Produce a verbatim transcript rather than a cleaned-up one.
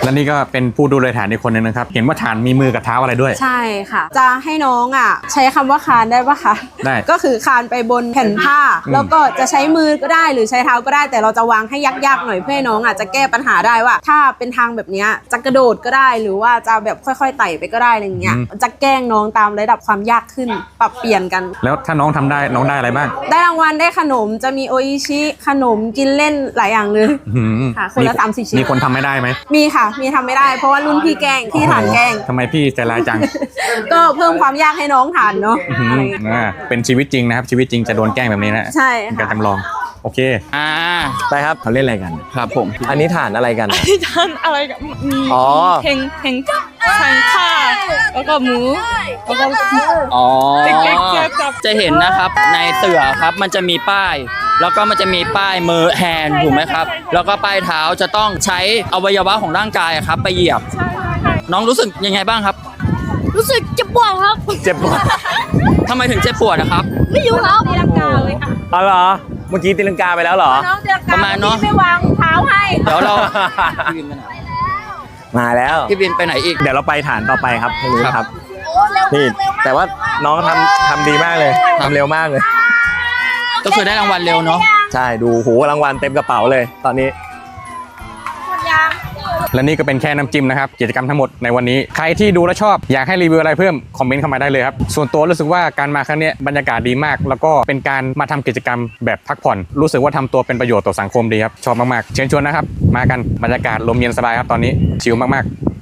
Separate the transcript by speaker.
Speaker 1: และนี่ก็เป็นผู้ดูแลฐานอีกคนนึงนะครับเห็นว่าฐานมีมือกับเท้าอะไรด้วย
Speaker 2: ใช่ค่ะจะให้น้องอ่ะใช้คำว่าคานได้ปะคะ
Speaker 1: ได้
Speaker 2: ก็คือคานไปบนแผ่นผ้าแล้วก็จะใช้มือก็ได้หรือใช้เท้าก็ได้แต่เราจะวางให้ยากๆหน่อยเพื่อให้น้องอาจจะแก้ปัญหาได้ว่าถ้าเป็นทางแบบนี้จะกระโดดก็ได้หรือว่าจะแบบค่อยๆไต่ไปก็ได้อะไรเงี้ยจะแกล้งน้องตามระดับความยากขึ้นปรับเปลี่ยนกัน
Speaker 1: แล้วถ้าน้องทำได้น้องได้อะไรบ้าง
Speaker 2: ได้รางวัลได้ขนมจะมีโออิชิขนมกินเล่นหลายอย่างเลยค่ะคนละสามสี่ชิ้น
Speaker 1: มีคนทำไม่ได้ไหม
Speaker 2: มีค่ะมีทำไม่ได้เพราะว่ารุ่นพี่แกล้งพี่ฐานแกล้ง
Speaker 1: ทำไมพี่ใจร้ายจัง
Speaker 2: ก็เพิ่มความยากให้น้องฐานเนาะ
Speaker 1: เป็นชีวิตจริงนะครับชีวิตจริงจะโดนแกล้งแบบนี้นะ
Speaker 2: ใช่
Speaker 1: การจำลองโอเค
Speaker 3: อ่า
Speaker 4: ไปครับ
Speaker 1: เขาเล่นอะไรกัน
Speaker 3: ครับผม
Speaker 4: อันนี้ฐานอะไรกัน
Speaker 5: ที่ทานอะไรกับมีเพลงเพลงทางข้าแล้วก็หมูแล้วก็
Speaker 3: อ๋อ
Speaker 5: จับ
Speaker 3: จะเห็นนะครับในเสือครับมันจะมีป้ายแล้วก็มันจะมีป้ายมือแฮนด์ถูกไหมครับแล้วก็ป้ายเท้าจะต้องใช้อวัยวะของร่างกายครับไปเหยียบน้องรู้สึกยังไงบ้างครับ
Speaker 5: รู้สึกเจ็บปวดครับ
Speaker 4: เจ็บปวด
Speaker 3: ทำไมถึงเจ็บปวดนะครับ
Speaker 5: ไม่อยู่ครับตีลังกาเลยค่ะ
Speaker 4: อ๋อเหรอเมื่อกี้ตีลังกาไปแล้วเหรอ
Speaker 5: น้องตีลังกา
Speaker 3: ประมาณเนาะ
Speaker 5: ไม่วางเท้าให้
Speaker 3: เดี๋ยวเรา
Speaker 4: มาแล้ว
Speaker 3: พี่บินไปไหนอีก
Speaker 4: เดี๋ยวเราไปฐานต่อไปครับทางนู้นครับนี่แต่ว่าน้องทำทำดีมากเลยทำเร็วมากเลย
Speaker 3: ก็คือได้รางวัลเร็วเนาะ
Speaker 4: ใช่ดูโหรางวัลเต็มกระเป๋าเลยตอนนี้
Speaker 1: และนี่ก็เป็นแค่น้ำจิ้มนะครับกิจกรรมทั้งหมดในวันนี้ใครที่ดูและชอบอยากให้รีวิวอะไรเพิ่มคอมเมนต์เข้ามาได้เลยครับส่วนตัวรู้สึกว่าการมาครั้งนี้บรรยากาศดีมากแล้วก็เป็นการมาทำกิจกรรมแบบพักผ่อนรู้สึกว่าทำตัวเป็นประโยชน์ต่อสังคมดีครับชอบมากๆเชิญชวนนะครับมากันบรรยากาศลมเย็นสบายครับตอนนี้ชิลมากๆ